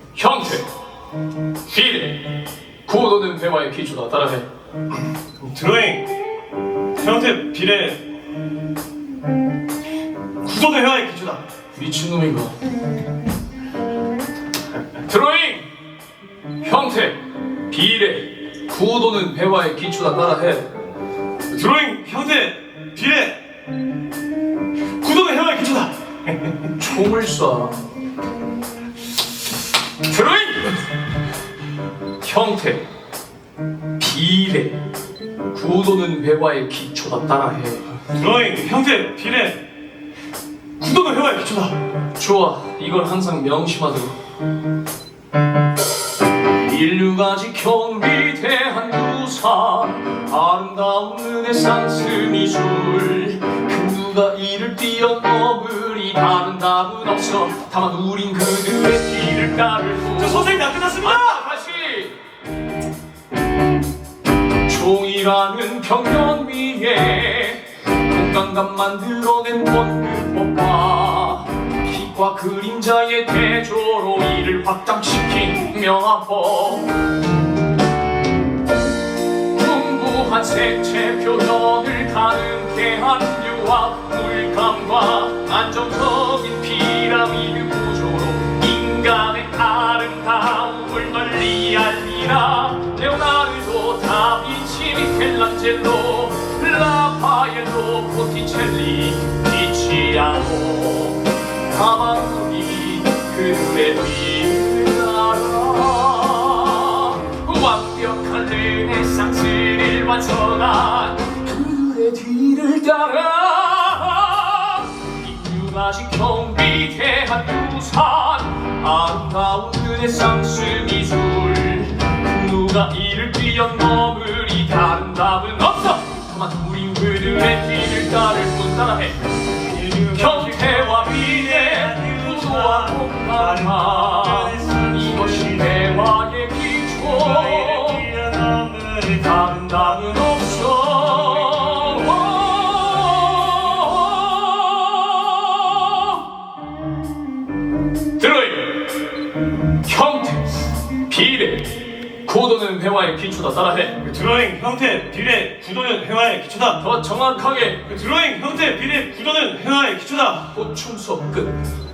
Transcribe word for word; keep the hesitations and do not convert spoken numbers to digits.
형태, 비례, 구도는 대화의 기초다. 따라해. 드로잉, 형태, 비례, 구도는 회화의 기초다. 미친놈인가? 드로잉, 형태, 비례, 구도는 회화의 기초다. 따라해. 드로잉, 형태, 비례, 구도는 회화의 기초다. 총을 쏴. 드로잉, 형태, 비례, 구도는 회화의 기초다. 따라해. 드로잉, 형태, 비례, 구도는 회화의 기초다. 좋아, 이걸 항상 명심하도록. 인류가 지켜온 위대한 유산, 아름다운 르네상스 미술, 그 누가 이를 뛰어넘으리. 다른 답은 없어. 다만 우린 그들의 길을 따를 뿐. 저 선생님 다 끝났습니다. 아, 다시. 종이라는 벽면 위에 공간감 만들어낸 원근법과 빛과 그림자의 대조로 이를 확장시킨 명화법, 풍부한 색채 표현을 가능케 한 유화 물감과 안정적인 피라미드 구조로 인간의 아름다움을 널리 알리라. 레오나르도 다빈치, 미켈란젤로, 라파엘로, 보티첼리, 티치아노, 다만 우리 그들의 뒤를 알아. 완벽한 르네상스를 완성한 그들의 뒤를 따라. 인류가 지켜온 위대한 유산, 아름다운 르네상스 미술, 누가 이를 뛰어넘으리. 다른 답은 없어. 다만 우린 그들의 뒤를 따를 뿐. 따라해. 형태와 비례, 구도와 공간화, 이것이 대화의 기초. 다른 답은 없어. 드로잉, 형태, 비례, 구도는 회화의 기초다. 따라해. 드로잉, 형태, 비례, 구도는 회화의 기초다. 더 정확하게. 드로잉, 형태, 비례, 구도는 회화의 기초다. 보충 수업 끝.